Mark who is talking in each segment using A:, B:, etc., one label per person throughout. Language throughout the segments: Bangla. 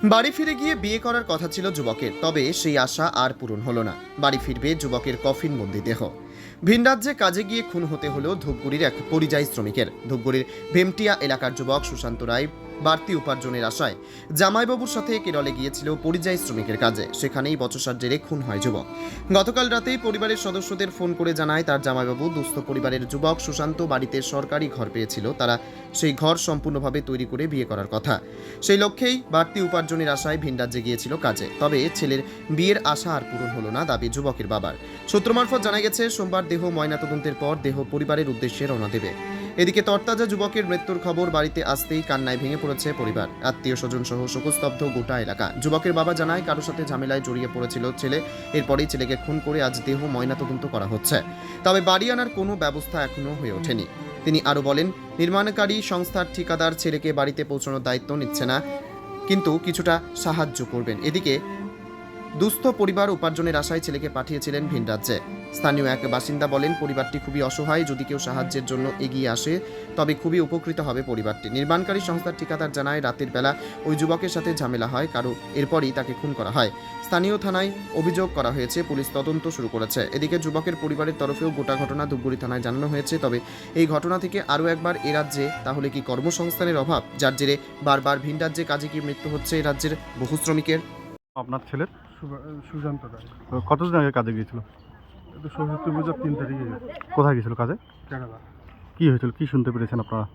A: বাড়ি ফিরে গিয়ে বিয়ে করার কথা ছিল যুবকের, তবে সেই আশা আর পূরণ হলো না। বাড়ি ফিরবে যুবকের কফিনবন্দি দেহ। ভিন রাজ্যে কাজে গিয়ে খুন হতে হলো ধূপগুড়ির এক পরিযায়ী শ্রমিকের। ধূপগুড়ির ভেমটিয়া এলাকার যুবক সুশান্ত রায় বাড়তি উপার্জনের আশায় জামাইবাবুর সাথে কেরলে গিয়েছিল পরিযায়ী শ্রমিকের কাজে। সেখানেই বচসার জেরে খুন হয় যুবক। গতকাল রাতেই পরিবারের সদস্যদের ফোন করে জানায় তার জামাইবাবু দুস্থ পরিবারের যুবক সুশান্ত বাড়িতে সরকারি ঘর পেয়েছিল। তারা সেই ঘর সম্পূর্ণভাবে তৈরি করে বিয়ে করার কথা। সেই লক্ষ্যেই বাড়তি উপার্জনের আশায় ভিন রাজ্যে গিয়েছিল কাজে। তবে ছেলের বিয়ের আশা আর পূরণ হলো না, দাবি যুবকের বাবার। সূত্র মারফত জানা গেছে সোমবার দেহ ময়নাতদন্তের পর দেহ পরিবারের উদ্দেশ্যে রওনা দেবে। এদিকে তরতাজা যুবকের মৃত্যুর খবর বাড়িতে আসতেই কান্নায় ভেঙে পড়েছে পরিবার, আত্মীয় স্বজন সহ শোকস্তব্ধ গোটা এলাকা। যুবকের বাবা জানায় কারোর সাথে ঝামেলায় জড়িয়ে পড়েছিল ছেলে। এরপরেই ছেলেকে খুন করে আজ দেহ ময়নাতদন্ত করা হচ্ছে। তবে বাড়ি আনার কোনো ব্যবস্থা এখনো হয়ে ওঠেনি। তিনি আরও বলেন, নির্মাণকারী সংস্থার ঠিকাদার ছেলেকে বাড়িতে পৌঁছানোর দায়িত্ব নিচ্ছে না, কিন্তু কিছুটা সাহায্য করবেন। এদিকে দুস্থ পরিবার উপার্জনের আশায় ছেলেকে পাঠিয়েছিলেন ভিন রাজ্যে। স্থানীয় এক বাসিন্দা বলেন, পরিবারটি খুবই অসহায়। যদি কেউ সাহায্যের জন্য এগিয়ে আসে তবে খুবই উপকৃত হবে পরিবারটি। নির্মাণকারী সংস্থার ঠিকাদার জানায় রাতের বেলা ওই যুবকের সাথে ঝামেলা হয় কারো, এরপরই তাকে খুন করা হয়। স্থানীয় থানায় অভিযোগ করা হয়েছে, পুলিশ তদন্ত শুরু করেছে। এদিকে যুবকের পরিবারের তরফেও গোটা ঘটনা ধূপগুড়ি থানায় জানানো হয়েছে। তবে এই ঘটনা থেকে আরও একবার এ রাজ্যে তাহলে কি কর্মসংস্থানের অভাব, যার জেরে বারবার ভিন রাজ্যে কাজে কি মৃত্যু হচ্ছে এই রাজ্যের বহু শ্রমিকের?
B: আপনার ছেলের
C: সুশান্ত রায়।
B: কতদিন আগে কাজে গিয়েছিল?
C: এটা সরস্বতী পূজার 3 তারিখে গেছে
B: কোথায় গিয়েছিল কাজে?
C: কেরালা।
B: কি হয়েছিল, কি শুনতে পেরেছেন আপনারা?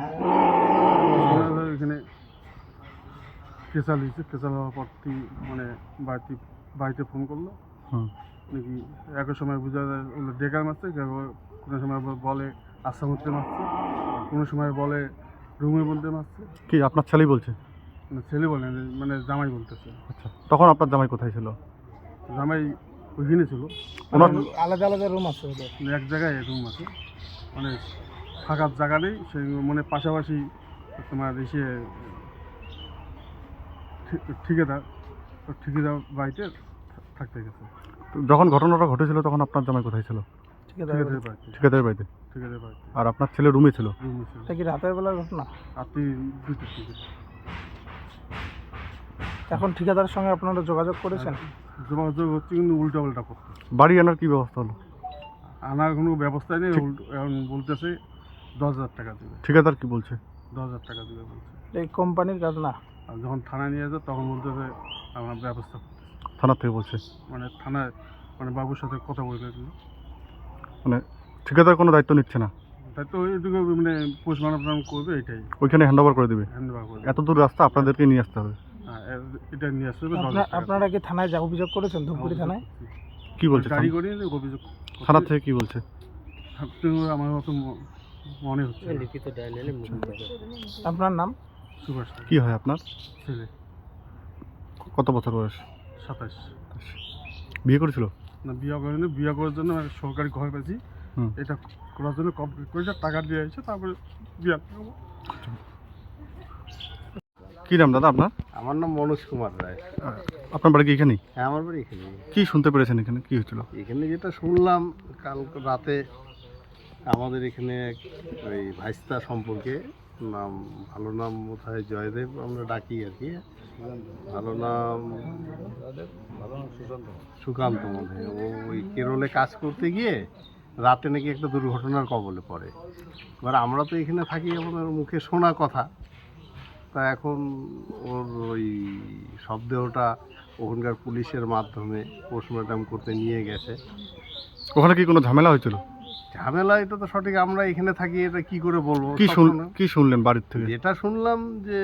C: এখানে কেসাল হয়েছে। কেসাল হওয়ার পর মানে বাড়িতে ফোন করলো
B: হুম।
C: নাকি একই সময় বোঝা যায় ওগুলো ডেকার মারছে, কোনো সময় বলে আশা করতে মারছে, কোনো সময় বলে রুমের মধ্যে মারছে।
B: কি আপনার ছেলেই বলছে?
C: মানে ছেলে বলে না, মানে জামাই বলতেছে।
B: আচ্ছা, তখন আপনার জামাই কোথায় ছিল?
C: জামাই ওইখানে ছিল।
B: ওনার
D: আলাদা আলাদা রুম আছে ওদের।
C: মানে এক জায়গায় রুম আছে, মানে থাকার জায়গা নেই। সেই মানে পাশাপাশি তোমার এসে ঠিকাদার বাড়িতে থাকতে গেছে।
B: যখন ঘটনাটা ঘটেছিল তখন আপনার জামাই কোথায় ছিল?
C: ঠিকাদারের বাড়িতে।
B: ঠিকাদারের বাড়িতে।
C: ঠিকাদারের বাড়িতে
B: আর আপনার ছেলে রুমে ছিল?
C: রুমে ছিল।
D: এটা কি রাতের বেলার ঘটনা?
C: আপনি 2টার দিকে
D: এখন ঠিকাদারের সঙ্গে আপনারা যোগাযোগ করেছেন?
C: যোগাযোগ হচ্ছে, কিন্তু উল্টা পাল্টা করতে।
B: বাড়ি আনার কি ব্যবস্থা হলো?
C: আনার কোনো ব্যবস্থা নেই। এখন বলতেছে 10,000 টাকা দেবে।
B: ঠিকাদার কি বলছে?
C: 10,000 টাকা দেবে বলছে।
D: এই কোম্পানির কাজ না?
C: আর যখন থানায় নিয়ে যায় তখন বলতেছে আমার ব্যবস্থা করতে।
B: থানার থেকে বলছে?
C: মানে থানায় মানে বাবুর সাথে কথা বলে দিল।
B: মানে ঠিকাদার কোনো দায়িত্ব নিচ্ছে না?
C: তাই তো ওইটুকু মানে পোস্টমার্টম করবে, এটাই
B: ওইখানে হ্যান্ড ওভার করে দেবে?
C: হ্যান্ডওভার করবে।
B: এত দূর রাস্তা আপনাদেরকে নিয়ে আসতে হবে?
C: হ্যাঁ, এটা নিয়ে আসতে হবে 10,000 টাকা।
D: আপনারা কি থানায় যা অভিযোগ করেছেন ধূপগুড়ি থানায়?
B: কি বলছে
C: গাড়ি করে অভিযোগ
B: থানার থেকে কি বলছে?
C: আমার মতো মনে হচ্ছে না।
D: আপনার নাম?
C: সুভাষ
B: কি হয় আপনার
C: ছেলে,
B: কত বছর বয়স?
C: 27।
B: বিয়ে করেছিল?
C: না, বিয়ে করেনি। বিয়ে করার জন্য একটা সরকারি ঘর পেয়েছি,
B: হুম।
C: এটা করার জন্য কমপ্লিট করেছে, টাকা দিয়ে এসেছে, তারপরে বিয়ে করবো।
B: কি নাম দাদা আপনার?
E: আমার নাম মনোজ কুমার রায়।
B: আপনার বাড়ি কি এখানেই?
E: হ্যাঁ, আমার বাড়ি এখানে।
B: কি শুনতে পেরেছেন এখানে, কি হয়েছিল?
E: এখানে যেটা শুনলাম কাল রাতে, আমাদের এখানে ওই ভাইস্তা সম্পর্কে নাম, ভালো নাম বোধহয় জয়দেব আমরা ডাকি আর কি, ভালো নাম সুকান্ত মনে হয়। ও ওই কেরলে কাজ করতে গিয়ে রাতে নাকি একটা দুর্ঘটনার কবলে পড়ে। এবার আমরা তো এখানে থাকি, আমাদের মুখে শোনা কথা। তা এখন ওর ওই শবদেহটা ওখানকার পুলিশের মাধ্যমে পোস্টমর্টম করতে নিয়ে গেছে।
B: ওখানে কি কোনো ঝামেলা হয়েছিল?
E: ঝামেলা এটা তো সঠিক, আমরা এখানে থাকি, এটা কি করে বলবো।
B: কি শুনলেন বাড়ির থেকে?
E: যেটা শুনলাম যে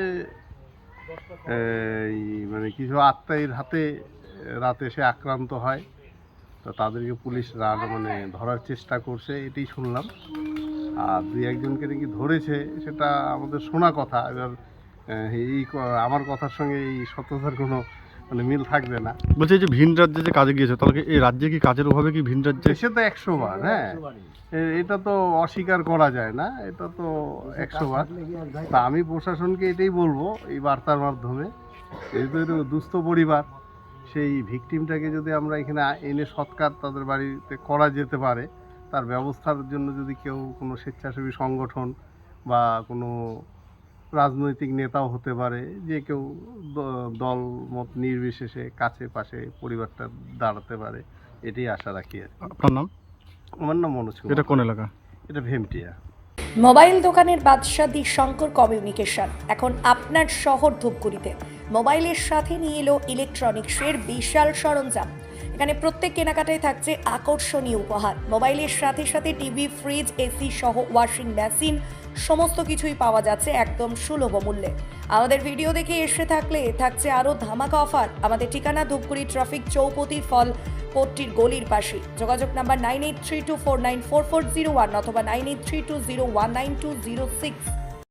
E: এই মানে কিছু আত্মীয়ের হাতে রাতে সে আক্রান্ত হয়, তো তাদেরকে পুলিশ মানে ধরার চেষ্টা করছে, এটাই শুনলাম। আর 2-1জনকে নাকি ধরেছে, সেটা আমাদের শোনা কথা। এবার আমার কথার সঙ্গে এই সত্যতার কোনো মানে মিল থাকবে না।
B: বলছে এই যে ভিন রাজ্যে যে কাজে গিয়েছে, তাহলে এই রাজ্যে কি কাজের অভাবে কি ভিন রাজ্যে?
E: সে তো 100 বার, হ্যাঁ, এটা তো অস্বীকার করা যায় না, এটা তো 100 বার। তা আমি প্রশাসনকে এটাই বলবো এই বার্তার মাধ্যমে, যেহেতু এটা দুস্থ পরিবার, সেই ভিকটিমটাকে যদি আমরা এখানে এনে সৎকার তাদের বাড়িতে করা যেতে পারে, তার ব্যবস্থার জন্য যদি কেউ কোনো স্বেচ্ছাসেবী সংগঠন বা কোনো রাজনৈতিক নেতাও হতে পারে, যে কেউ দল মত নির্বিশেষে কাছে পাশে পরিবারটা দাঁড়াতে পারে, এটাই আশা রাখি আর কি।
B: আপনার নাম?
E: আমার নাম মনোজ
B: এটা
E: কুমার।
B: কোন এলাকা?
E: এটা ভেমটিয়া।
F: মোবাইল দোকানের বাদশা দি শঙ্কর কমিউনিকেশন এখন আপনার শহর ধূপগুড়িতে মোবাইলের সাথে নিয়ে এলো ইলেকট্রনিক্সের বিশাল সরঞ্জাম। এখানে প্রত্যেক কেনাকাটায় থাকছে আকর্ষণীয় উপহার। মোবাইলের সাথে সাথে টিভি, ফ্রিজ, এসি সহ ওয়াশিং মেশিন সমস্ত কিছুই পাওয়া যাচ্ছে একদম সুলভ মূল্যে। আমাদের ভিডিও দেখে এসে থাকলে থাকছে আরও ধামাকা অফার। আমাদের ঠিকানা ধূপগুড়ি ট্রাফিক চৌপতি ফল কোর্টটির গলির পাশে। যোগাযোগ নাম্বার 9832494401 অথবা 9832019206।